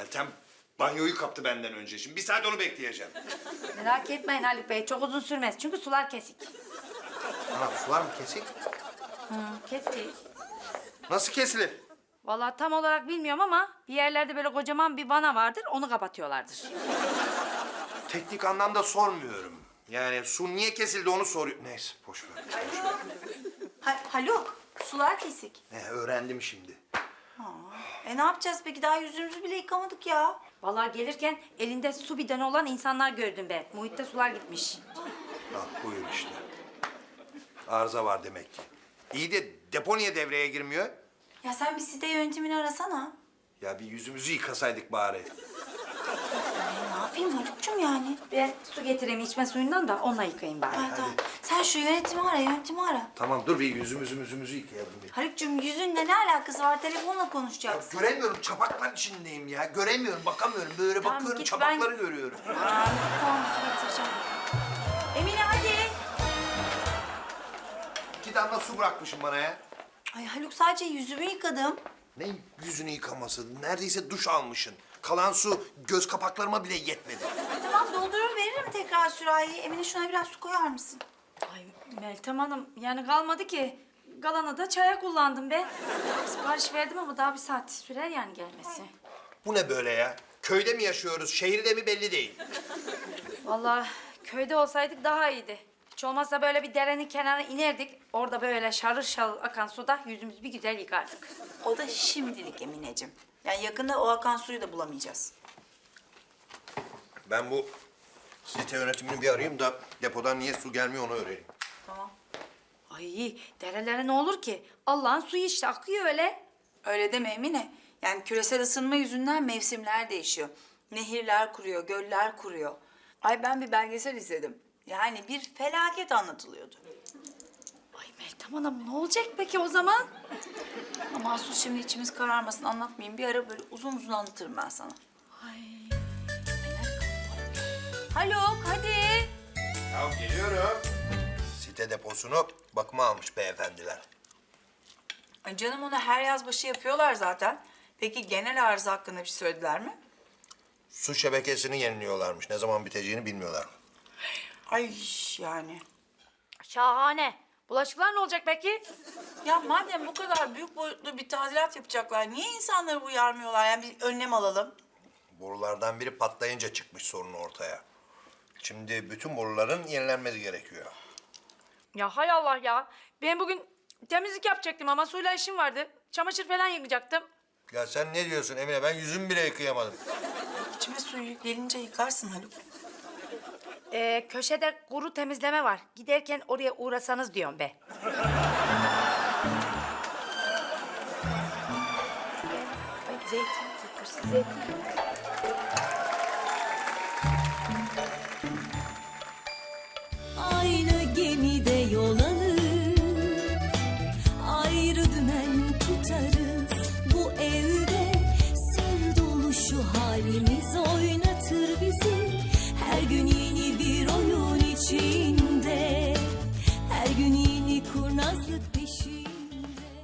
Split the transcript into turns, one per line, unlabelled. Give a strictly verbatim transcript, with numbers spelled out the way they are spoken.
Meltem banyoyu kaptı benden önce. Şimdi bir saat onu bekleyeceğim.
Merak etmeyin Haluk Bey, çok uzun sürmez çünkü sular kesik.
Ana sular mı kesik?
Hı, kesik.
Nasıl kesilir?
Vallahi tam olarak bilmiyorum ama bir yerlerde böyle kocaman bir vana vardır, onu kapatıyorlardır.
Teknik anlamda sormuyorum. Yani su niye kesildi onu soruyor. Neyse boş ver. Boş ver.
Ha, Haluk, sular kesik.
Ne öğrendim şimdi.
E ne yapacağız peki? Daha yüzümüzü bile yıkamadık ya.
Vallahi gelirken elinde su bidonu olan insanlar gördüm ben. Muhitte sular gitmiş.
Ah buyur işte. Arıza var demek ki. İyi de depo niye devreye girmiyor?
Ya sen bir site yönetimini arasana.
Ya bir yüzümüzü yıkasaydık bari.
E, ne yapayım Haluk'cum yani?
Ben su getireyim içme suyundan da onunla yıkayayım bari.
Ay, tamam. Sen şu yönetimi ara, yönetimi ara.
Tamam dur bir yüzümüzü yüzümüzü yıkayalım bir.
Haluk'cum yüzünle ne alakası var? Telefonla
Ya
konuşacaksın.
göremiyorum çapaklar içindeyim ya. Göremiyorum bakamıyorum. Böyle
Tamam,
bakıyorum
git,
çapakları
ben-
görüyorum.
Aa, tamam su getireceğim. Emine hadi.
İki damla su bırakmışım bana ya.
Ay Haluk sadece yüzümü yıkadım.
Ne yüzünü yıkaması? Neredeyse duş almışsın. Kalan su göz kapaklarıma bile yetmedi.
Ay, tamam doldurur veririm tekrar sürahiyi. Emine şuna biraz su koyar mısın?
Ay Meltem Hanım, yani kalmadı ki. Kalanı da çaya kullandım ben. Sipariş verdim ama daha bir saat sürer yani gelmesi.
Bu ne böyle ya? Köyde mi yaşıyoruz, şehirde mi belli değil.
Vallahi köyde olsaydık daha iyiydi. Hiç olmazsa böyle bir derenin kenarına inerdik. Orada böyle şarıl şarıl akan suda yüzümüzü bir güzel yıkardık.
O da şimdilik Emineciğim. Yani yakında o akan suyu da bulamayacağız.
Ben bu site yönetimini bir arayayım da depodan niye su gelmiyor onu öğreneyim.
Tamam.
Ay derelere ne olur ki? Allah'ın suyu işte akıyor öyle.
Öyle deme Emine. Yani küresel ısınma yüzünden mevsimler değişiyor. Nehirler kuruyor, göller kuruyor. Ay ben bir belgesel izledim. Yani bir felaket anlatılıyordu.
Ay Meltem Hanım ne olacak peki o zaman?
Ama sus şimdi içimiz kararmasın anlatmayayım. Bir ara böyle uzun uzun anlatırım ben sana.
Ay.
Haluk hadi.
Ya geliyorum. Site deposunu bakıma almış beyefendiler.
Ay canım onu her yaz başı yapıyorlar zaten. Peki genel arıza hakkında bir şey söylediler mi?
Su şebekesini yeniliyorlarmış. Ne zaman biteceğini bilmiyorlar.
Ay yani.
Şahane. Bulaşıklar ne olacak peki?
Ya madem bu kadar büyük boyutlu bir tadilat yapacaklar, niye insanları uyarmıyorlar? Yani bir önlem alalım.
Borulardan biri patlayınca çıkmış sorun ortaya. Şimdi bütün boruların yenilenmesi gerekiyor.
Ya hay Allah ya. Ben bugün temizlik yapacaktım ama suyla işim vardı. Çamaşır falan yıkacaktım.
Ya sen ne diyorsun Emine? Ben yüzümü bile yıkayamadım.
İçime suyu gelince yıkarsın Haluk.
Ee, köşede kuru temizleme var. Giderken oraya uğrasanız diyorum be. Ay, zeytin, zeytin.